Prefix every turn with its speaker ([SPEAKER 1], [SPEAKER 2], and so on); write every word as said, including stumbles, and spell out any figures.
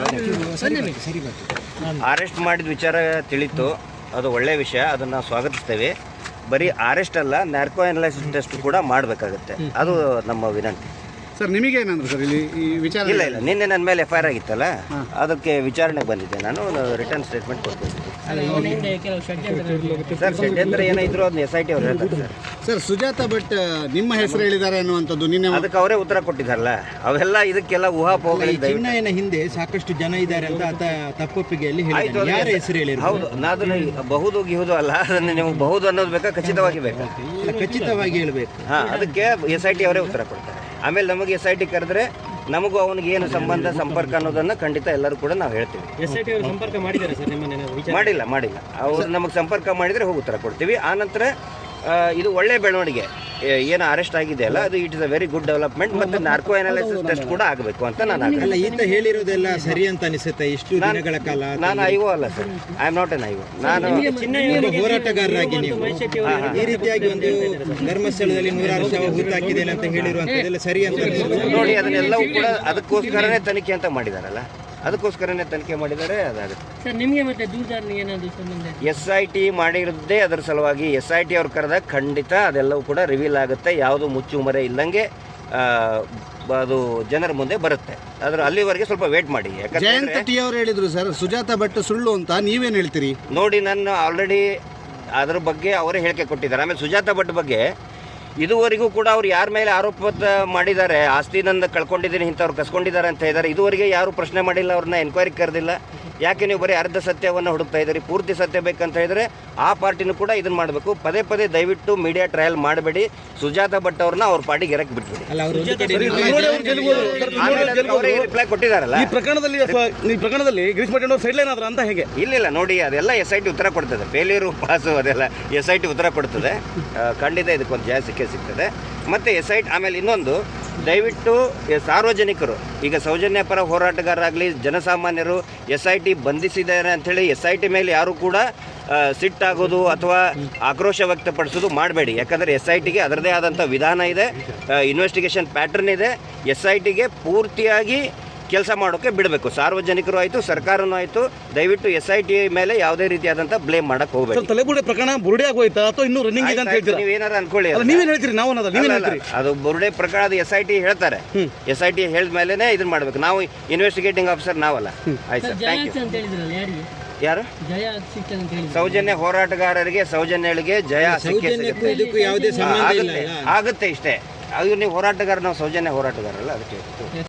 [SPEAKER 1] Arrest ಮಾಡಿದ ವಿಚಾರ ತಿಳಿತು, ಅದು ಒಳ್ಳೆಯ ವಿಷಯ, ಅದನ್ನು ಸ್ವಾಗತಿಸ್ತೇವೆ. ಬರೀ ಅರೆಸ್ಟ್ ಅಲ್ಲ, ನ್ಯಾರ್ಕೋ ಅನಲೈಸಿಸ್ ಟೆಸ್ಟ್ ಕೂಡ ಮಾಡಬೇಕಾಗುತ್ತೆ, ಅದು ನಮ್ಮ ವಿನಂತಿ.
[SPEAKER 2] ಸರ್ ನಿಮಗೇನಂದ್ರೆ ಸರ್ ಇಲ್ಲಿ ಈ ವಿಚಾರ?
[SPEAKER 1] ಇಲ್ಲ ಇಲ್ಲ, ನಿನ್ನೆ ನನ್ನ ಮೇಲೆ ಎಫ್ ಐ ಆರ್ ಆಗಿತ್ತಲ್ಲ, ಅದಕ್ಕೆ ವಿಚಾರಣೆಗೆ ಬಂದಿದ್ದೆ ನಾನು, ರಿಟರ್ನ್ ಸ್ಟೇಟ್ಮೆಂಟ್ ಕೊಡ್ತಿದ್ದೆ. ಸರ್ ಷಡ್ಯಂತ್ರ ಏನಿದ್ರು ಅದನ್ನ ಎಸ್ ಐ ಟಿ ಅವ್ರು ಹೇಳ್ತಾರೆ ಸರ್.
[SPEAKER 2] ಸರ್ ಸುಜಾತ ಭಟ್ ನಿಮ್ಮ ಹೆಸರು ಹೇಳಿದ್ದಾರೆ ಅನ್ನುವಂಥದ್ದು ನಿನ್ನೆ
[SPEAKER 1] ಅದಕ್ಕೆ ಅವರೇ ಉತ್ತರ ಕೊಟ್ಟಿದ್ದಾರಲ್ಲ, ಅವೆಲ್ಲ ಇದಕ್ಕೆಲ್ಲ ಊಹಾಪೋಹಗಳಿದೆ.
[SPEAKER 3] ಚಿನ್ನಯನ ಹಿಂದೆ ಸಾಕಷ್ಟು ಜನ ಇದ್ದಾರೆ ಅಂತ ಆತ ತಪ್ಪೊಪ್ಪಿಗೆಯಲ್ಲಿ
[SPEAKER 1] ಆಯ್ತು,
[SPEAKER 3] ಯಾರ ಹೆಸರು ಹೇಳಿ?
[SPEAKER 1] ಹೌದು, ಅದನ್ನ ಬಹುದು ಗಿಹುದು ಅಲ್ಲ, ಅದನ್ನು ನೀವು ಬಹುದು ಅನ್ನೋದು ಬೇಕಾ, ಖಚಿತವಾಗಿ ಬೇಕಾ?
[SPEAKER 3] ಖಚಿತವಾಗಿ ಹೇಳಬೇಕು.
[SPEAKER 1] ಹಾಂ, ಅದಕ್ಕೆ ಎಸ್ ಐ ಟಿ ಅವರೇ ಉತ್ತರ ಕೊಡ್ತಾರೆ. ಆಮೇಲೆ ನಮಗೆ ಎಸ್ ಐ ಟಿ ಕರೆದ್ರೆ ನಮಗೂ ಅವನಿಗೆ ಏನು ಸಂಬಂಧ ಸಂಪರ್ಕ ಅನ್ನೋದನ್ನು ಖಂಡಿತ ಎಲ್ಲರೂ ಕೂಡ ನಾವು ಹೇಳ್ತೀವಿ.
[SPEAKER 3] ಎಸ್ ಐ ಟಿ ಅವರು ಸಂಪರ್ಕ ಮಾಡಿದ್ದಾರೆ ಸರ್ ನಿಮ್ಮನ್ನ?
[SPEAKER 1] ಮಾಡಿಲ್ಲ ಮಾಡಿಲ್ಲ ಅವ್ರು ನಮಗೆ ಸಂಪರ್ಕ ಮಾಡಿದರೆ ಹೋಗಿ ಉತ್ತರ ಕೊಡ್ತೀವಿ. ಆನಂತರ ಇದು ಒಳ್ಳೆಯ ಬೆಳವಣಿಗೆ, ಏನು ಅರೆಸ್ಟ್ ಆಗಿದೆ ಅಲ್ಲ, ಅದು it is a very good development. ಮತ್ತು ನಾರ್ಕೋ ಅನಾಲಿಸಿಸ್ ಟೆಸ್ಟ್ ಕೂಡ ಆಗಬೇಕು ಅಂತ ನಾನು
[SPEAKER 3] ಅಲ್ಲ, ಈತ ಹೇಳಿರೋದೆಲ್ಲ ಸರಿ ಅಂತ ಅನಿಸುತ್ತೆ. ಇಷ್ಟು ದಿನಗಳ ಕಾಲ
[SPEAKER 1] ನಾನು ಐವೋ ಅಲ್ಲ sir, I am not an ಐವೋ. ನಾನು
[SPEAKER 3] ಹೋರಾಟಗಾರರಾಗಿ ನೀವು ಈ ರೀತಿಯಾಗಿ ಒಂದು ಧರ್ಮಸ್ಥಳದಲ್ಲಿ ನೂರಾರು ಶವ ಹೂತಾಕಿದ್ದೇನೆ ಅಂತ ಹೇಳಿರುವಂತದ್ದೆಲ್ಲ ಸರಿ ಅಂತ
[SPEAKER 1] ನೋಡಿ, ಅದನ್ನೆಲ್ಲವೂ ಕೂಡ ಅದಕ್ಕೋಸ್ಕರನೇ ತನಿಖೆ ಅಂತ ಮಾಡಿದಾರಲ್ಲ, ಅದಕ್ಕೋಸ್ಕರನೇ ತನಿಖೆ ಮಾಡಿದ್ದಾರೆ, ಅದಾಗುತ್ತೆ. ಎಸ್ ಐ ಟಿ ಮಾಡಿರೋದೇ ಅದರ ಸಲುವಾಗಿ. ಎಸ್ ಐ ಟಿ ಅವ್ರು ಕರೆದಾಗ ಖಂಡಿತ ಅದೆಲ್ಲವೂ ಕೂಡ ರಿವೀಲ್ ಆಗುತ್ತೆ, ಯಾವುದು ಮುಚ್ಚುಮರೆ ಇಲ್ಲಂಗೆ ಅದು ಜನರ ಮುಂದೆ ಬರುತ್ತೆ. ಅದ್ರ ಅಲ್ಲಿವರೆಗೆ ಸ್ವಲ್ಪ ವೇಟ್ ಮಾಡಿ.
[SPEAKER 2] ಜಯಂತ ಟಿ ಅವರು ಹೇಳಿದ್ರು ಸರ್ ಸುಜಾತ ಭಟ್ ಸುಳ್ಳು ಅಂತ, ನೀವೇನು ಹೇಳ್ತೀರಿ?
[SPEAKER 1] ನೋಡಿ, ನಾನು ಆಲ್ರೆಡಿ ಅದ್ರ ಬಗ್ಗೆ ಅವರೇ ಹೇಳಿಕೆ ಕೊಟ್ಟಿದ್ದಾರೆ. ಆಮೇಲೆ ಸುಜಾತ ಭಟ್ ಬಗ್ಗೆ ಇದುವರೆಗೂ ಕೂಡ ಅವ್ರು ಯಾರ ಮೇಲೆ ಆರೋಪ ಮಾಡಿದ್ದಾರೆ, ಆಸ್ತಿ ನಂದು ಕಳ್ಕೊಂಡಿದ್ದೀನಿ ಇಂಥವ್ರು ಕಸ್ಕೊಂಡಿದ್ದಾರೆ ಅಂತ ಹೇಳಿದ್ದಾರೆ, ಇದುವರೆಗೆ ಯಾರು ಪ್ರಶ್ನೆ ಮಾಡಿಲ್ಲ, ಅವ್ರನ್ನ ಎನ್ಕ್ವೈರಿ ಕರೆದಿಲ್ಲ. ಯಾಕೆ ನೀವು ಬರೀ ಅರ್ಧ ಸತ್ಯವನ್ನು ಹುಡುಕ್ತಾ ಇದ್ದೀರಿ? ಪೂರ್ತಿ ಸತ್ಯ ಬೇಕಂತ ಹೇಳಿದ್ರೆ ಆ ಪಾರ್ಟಿನೂ ಕೂಡ ಇದನ್ನು ಮಾಡಬೇಕು. ಪದೇ ಪದೇ ದಯವಿಟ್ಟು ಮೀಡಿಯಾ ಟ್ರಯಲ್ ಮಾಡಬೇಡಿ. ಸುಜಾತ ಭಟ್ ಅವ್ರನ್ನ ಅವ್ರ ಪಾರ್ಟಿಗೆ ಎರಕ್ಕೆ ಬಿಟ್ಬಿಡಿ. ಅವರೇ ರಿಪ್ಲೈ ಕೊಟ್ಟಿದ್ದಾರಲ್ಲ
[SPEAKER 4] ಈ ಪ್ರಕರಣದಲ್ಲಿ. ಈ ಪ್ರಕರಣದಲ್ಲಿ ಗಿರೀಶ್ ಮಠ ಅವರು ಸೈಡ್ ಲೈನ್ ಆದ್ರ ಅಂತ ಹೇಗೆ?
[SPEAKER 1] ಇಲ್ಲ ನೋಡಿ, ಅದೆಲ್ಲ ಎಸ್ ಐ ಟಿ ಉತ್ತರ ಕೊಡ್ತದೆ. ಫೇಲ್ಯೂರು ಪಾಸು ಅದೆಲ್ಲ ಎಸ್ ಐ ಟಿ ಉತ್ತರ ಕೊಡ್ತದೆ. ಖಂಡಿತ ಇದಕ್ಕೊಂದು ಜಯ ಸಿಕ್ಕೇ ಸಿಗ್ತದೆ. ಮತ್ತು ಎಸ್ ಐ ಟಿ ಆಮೇಲೆ ಇನ್ನೊಂದು, ದಯವಿಟ್ಟು ಸಾರ್ವಜನಿಕರು, ಈಗ ಸೌಜನ್ಯ ಪರ ಹೋರಾಟಗಾರರಾಗಲಿ ಜನಸಾಮಾನ್ಯರು ಎಸ್ ಐ ಟಿ ಬಂಧಿಸಿದ್ದಾರೆ ಅಂಥೇಳಿ ಎಸ್ ಐ ಟಿ ಮೇಲೆ ಯಾರು ಕೂಡ ಸಿಟ್ಟಾಗೋದು ಅಥವಾ ಆಕ್ರೋಶ ವ್ಯಕ್ತಪಡಿಸೋದು ಮಾಡಬೇಡಿ. ಯಾಕಂದರೆ ಎಸ್ ಐ ಟಿಗೆ ಅದರದೇ ಆದಂಥ ವಿಧಾನ ಇದೆ, ಇನ್ವೆಸ್ಟಿಗೇಷನ್ ಪ್ಯಾಟರ್ನ್ ಇದೆ. ಎಸ್ ಐ ಟಿಗೆ ಪೂರ್ತಿಯಾಗಿ ಕೆಲಸ ಮಾಡೋಕ್ಕೆ ಬಿಡಬೇಕು. ಸಾರ್ವಜನಿಕರು ಆಯಿತು, ಸರ್ಕಾರನೂ ಆಯಿತು. ದಯವಿಟ್ಟು ಎಸ್ ಐ ಟಿ ಮೇಲೆ ಯಾವುದೇ ರೀತಿಯಾದಂಥ ಬ್ಲೇಮ್ ಮಾಡಕ್ಕೆ ಹೋಗಬೇಕು.
[SPEAKER 4] ತಲೆಬುರುಡೆ ಪ್ರಕರಣ ಬುರುಡೆ ಆಗೋಯ್ತಾ ಅಥವಾ ಇನ್ನೂ ರನ್ನಿಂಗ್ ಇದೆ ಅಂತ ಹೇಳ್ತೀರಾ?
[SPEAKER 1] ನೀವೇನಾರು ಅನ್ಕೊಳ್ಳಿ,
[SPEAKER 4] ನೀವೇನು ಹೇಳ್ತೀರಿ? ನಾವು ನೀವೇನು ಹೇಳ್ತೀರಿ?
[SPEAKER 1] ಅದು ಬುರುಡೆ ಪ್ರಕರಣ, ಅದು ಎಸ್ ಐ ಟಿ ಹೇಳ್ತಾರೆ. ಎಸ್ ಐ ಟಿ ಹೇಳಿದ ಮೇಲೇ ಇದನ್ನ ಮಾಡಬೇಕು. ನಾವು ಇನ್ವೆಸ್ಟಿಗೇಟಿಂಗ್ ಆಫೀಸರ್ ನಾವಲ್ಲ. ಆಯ್ತು ಸರ್, ಥ್ಯಾಂಕ್ ಯು. ಯಾರು? ಸೌಜನ್ಯ ಹೋರಾಟಗಾರರಿಗೆ, ಸೌಜನ್ಯಗಳಿಗೆ ಜಯ ಸಿಕ್ಕೇ ಆಗುತ್ತೆ ಇಷ್ಟೇ. ಅದು ನೀವು ಹೋರಾಟಗಾರ, ನಾವು ಸೌಜನ್ಯ ಹೋರಾಟಗಾರಲ್ಲ, ಅದಕ್ಕೆ